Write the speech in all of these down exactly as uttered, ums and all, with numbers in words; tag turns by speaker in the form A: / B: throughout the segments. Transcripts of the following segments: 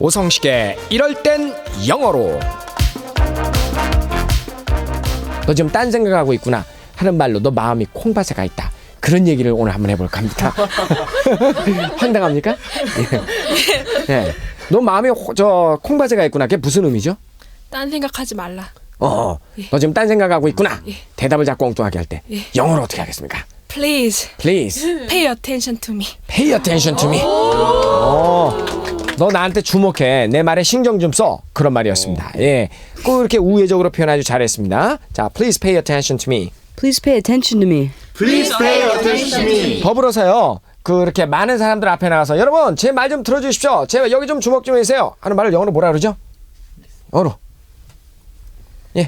A: 오성식의 이럴 땐 영어로. 너 지금 딴 생각하고 있구나 하는 말로 너 마음이 콩밭에 가 있다. 그런 얘기를 오늘 한번 해볼까 합니다. 황당합니까? 예. 예. 너 마음이 호, 저 콩밭에 가 있구나. 그게 무슨 의미죠?
B: 딴 생각하지 말라.
A: 어,
B: 예.
A: 너 지금 딴 생각하고 있구나.
B: 예.
A: 대답을 자꾸 엉뚱하게 할 때
B: 예.
A: 영어로 어떻게 하겠습니까?
B: Please
A: Please
B: pay attention to me.
A: pay attention to me. 어, 너 나한테 주목해. 내 말에 신경 좀 써. 그런 말이었습니다. 예, 꼭 이렇게 우회적으로 표현 아주 잘했습니다. 자, please pay attention to me.
C: Please pay attention to me.
D: Please pay attention to me.
A: 더불어서요. 그렇게 많은 사람들 앞에 나가서 여러분 제 말 좀 들어주십시오. 제 여기 좀 주목 좀 해주세요. 하는 말을 영어로 뭐라 그러죠? 영어로. 예.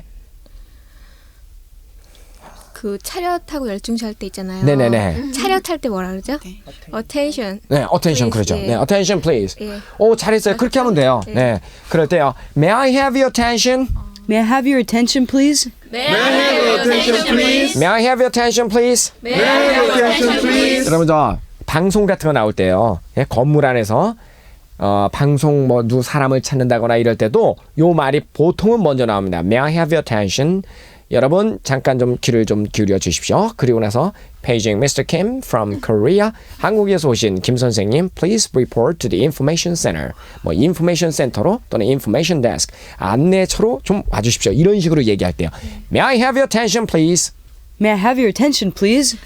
E: 그 차렷하고 열중시 할 때 있잖아요.
A: 네네네.
E: 차렷할 때 뭐라 그러죠? Attention.
A: 네, attention
E: Please,
A: 그러죠.
E: 예.
A: 네, attention please.
E: 예.
A: 오, 잘했어요. 그렇게 하면 돼요.
E: 예.
A: 네, 그럴 때요. May I have your attention?
C: May I have your attention, please?
D: May I have your attention, please?
A: May I have your attention, please?
D: May I have your attention, please?
A: 여러분 저 방송 같은 거 나올 때요. 예, 건물 안에서 어, 방송 뭐 누 사람을 찾는다거나 이럴 때도 요 말이 보통은 먼저 나옵니다. May I have your attention? 여러분 잠깐 좀 귀를 좀 기울여 주십시오. 그리고 나서 Paging 미스터 Kim from Korea. 한국에서 오신 김 선생님, please report to the information center. 뭐 information center로 또는 information desk 안내처로 좀 와주십시오. 이런 식으로 얘기할 때요. May I have your attention, please?
C: May I have your attention, please?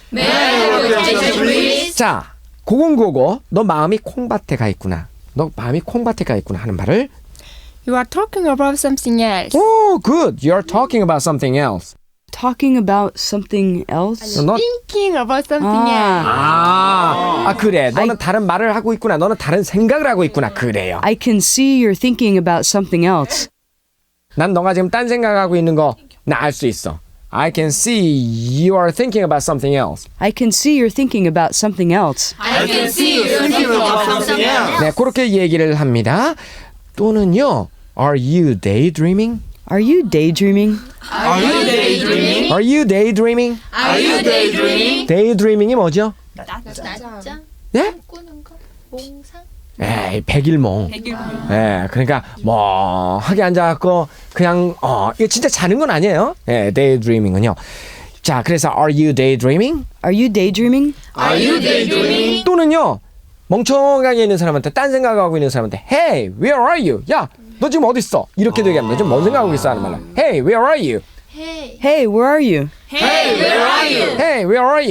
A: 자, 고공고고 너 마음이 콩밭에 가 있구나. 너 마음이 콩밭에 가 있구나 하는 말을
F: You are talking about something else.
A: Oh, good. You're talking about something else.
C: Talking about something else?
A: 너
F: Thinking about something else.
A: 아, 아 그래. 너는 다른 말을 하고 있구나. 너는 다른 생각을 하고 있구나. 그래요.
C: I can see you're thinking about something else.
A: 난 너가 지금 딴 생각하고 있는 거 나 알 수 있어. I can see you are thinking about something else.
C: I can see you're thinking about something else.
D: I can see you thinking about something else.
A: 네, 그렇게 얘기를 합니다. 또는요. Are you daydreaming?
C: Are you daydreaming?
D: Are you daydreaming?
A: Are you daydreaming?
D: Are you daydreaming?
A: daydreaming이 뭐죠?
E: 낮잠
A: 네?
E: 꾸는 거? 몽상?
A: 에이, 백일몽. 예, 그러니까 멍하게 앉아갖고 그냥 어, 이거 진짜 자는 건 아니에요. 예, daydreaming은요. 자, 그래서 are you daydreaming?
C: Are you daydreaming?
D: Are you daydreaming?
A: 또는요, 멍청하게 있는 사람한테 딴 생각하고 있는 사람한테 Hey, where are you? 야, 너 지금 어디 있어? 이렇게 얘기하면 지금 뭔 생각하고 있어 하는 말로 Hey, where are you?
C: Hey, where are you?
D: Hey, where are you?
A: Hey, where are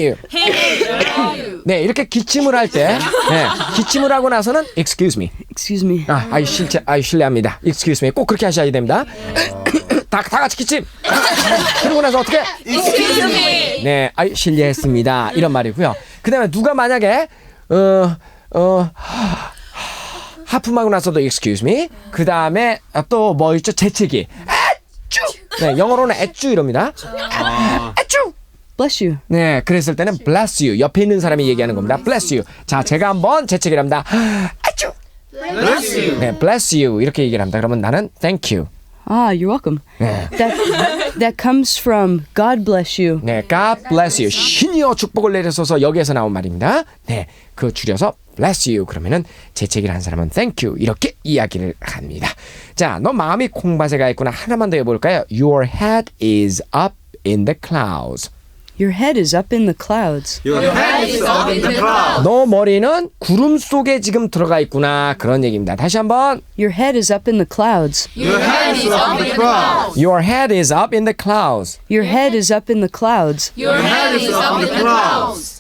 A: you? 네, 이렇게 기침을 할 때, 네, 기침을 하고 나서는 Excuse me.
C: Excuse me.
A: 아, 아이 실체, 아이 실례합니다. Excuse me. 꼭 그렇게 하셔야 됩니다. 다, 다 같이 기침. 그러고 나서 어떻게?
D: Excuse me.
A: 네, 아이 실례했습니다. 이런 말이고요. 그다음에 누가 만약에 어, 어, 하품하고 나서도 excuse me. 그다음에 또 뭐 있죠? 재채기. 아쭈. 네, 영어로는 애쭈 이럽니다. 아쭈.
C: Bless you.
A: 네, 그랬을 때는 bless you. 옆에 있는 사람이 얘기하는 겁니다. bless you. 자, 제가 한번 재채기를 합니다. 아쭈.
D: Bless you.
A: 네, bless you 이렇게 얘기를 합니다. 그러면 나는 thank you.
C: Ah, you're welcome.
A: 네.
C: That that comes from God bless you.
A: 네, God bless you. 신이여 축복을 내려소서 여기에서 나온 말입니다. 네, 그 줄여서 bless you. 그러면은 재채기를 한 사람은 thank you. 이렇게 이야기를 합니다. 자, 너 마음이 콩밭에 가 있구나. 하나만 더 해볼까요? Your head is up in the clouds.
C: Your head is up in the clouds.
D: Your head is up in the clouds.
A: 너 머리는 구름 속에 지금 들어가 있구나. 그런 얘기입니다. 다시 한번.
C: Your head is up in the clouds.
D: Your head is up in the clouds.
A: Your head is up in the clouds.
C: Your head is up in the clouds.
D: Your head is up in the clouds.